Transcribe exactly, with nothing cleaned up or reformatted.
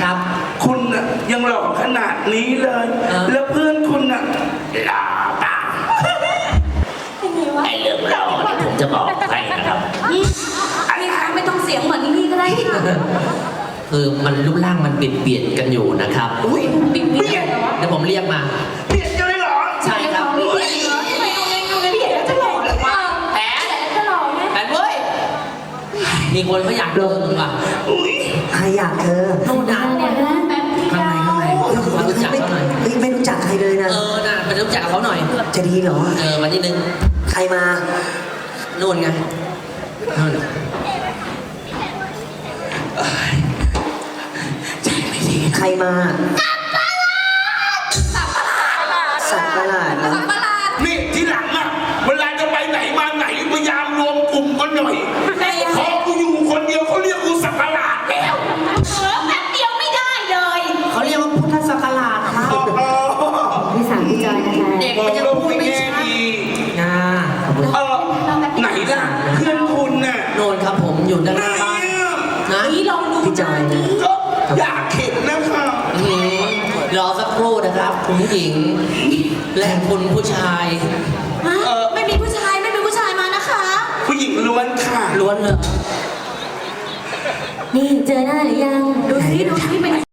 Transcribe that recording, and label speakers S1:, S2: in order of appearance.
S1: ครับ
S2: คุณน่ะยังหล่อขนาดนี้เลยแล้วเพื่อนคุณน่ะหล่อเปล่าไอ้เรื่องหล่อนี่ผมจะบอกให้นะครับ
S3: พี่คะไม่ต้องเสียงเหมือนนี่ก็ได้ค่ะ
S1: คือมันรูปร่างมันเปลี่ยนเปลี่ยนกันอยู่นะครับ
S2: อุ้ยเปลี่ยน
S1: เดี๋ยวผมเรียกมา
S2: เปลี่ยนกันเลยเหรอ
S1: ใช่ครับ
S3: เปลี่ยนเหรอทำไมเอาไงเอาไงเปลี่ยนแล้วจะหล่อหรือเปล่าแหมจะหล่อไหม
S1: แหมเว้ยมีคนเขาอยากโดนมึงว่ะ
S4: ใครอยากเธอ
S1: นู่นนะ
S3: เนี่ยนะแป๊บที่
S1: ข้างในข้างในมารู้จักเขาหน่อย
S4: ไม่รู้จักใครเลยนะ
S1: เออน่ะไปรู้จักเขาหน่อย
S4: จะดีเหรอ
S1: เออมานิดนึง
S4: ใครมา
S1: นู่นไงนู่นใจไม่ดี
S4: ใครมาสัตว์ประหลาดเหรอ
S2: นี่ที่หลังอ่ะเวลาจะไปไหนมาไหนพยายามรวมกลุ่มกันหน่อยพอกูอยู่คนเดียวเขาเรียกกูสัตว์ประหลาดแล้ว
S3: เออแป๊บเดียวไม่ได้เลย
S1: เขาเรียกว่าพุทธศักราชครับ
S4: พี่สามพี่จอยนะคะ
S1: เด็กมันยังพูดไม่ชัดนะ
S2: เออไหนล่ะเพื่อนคุณน่ะ
S1: โน่นครับผมอยู่ด้านหน้าบ้านนะ
S3: นี่ลองดู
S4: พี่จอยนะ
S2: ก็อยากเห็นนะคะ
S1: รอสักครู่นะครับคุณผู้หญิงและคุณผู้ชาย
S3: ไม่มีผู้ชายไม่มีผู้ชายมานะคะ
S2: ผู้หญิงล้วนค่ะ
S1: ล้วนเลย
S3: นี่เจอหน้าหรือยังดูซิดูซิเป็น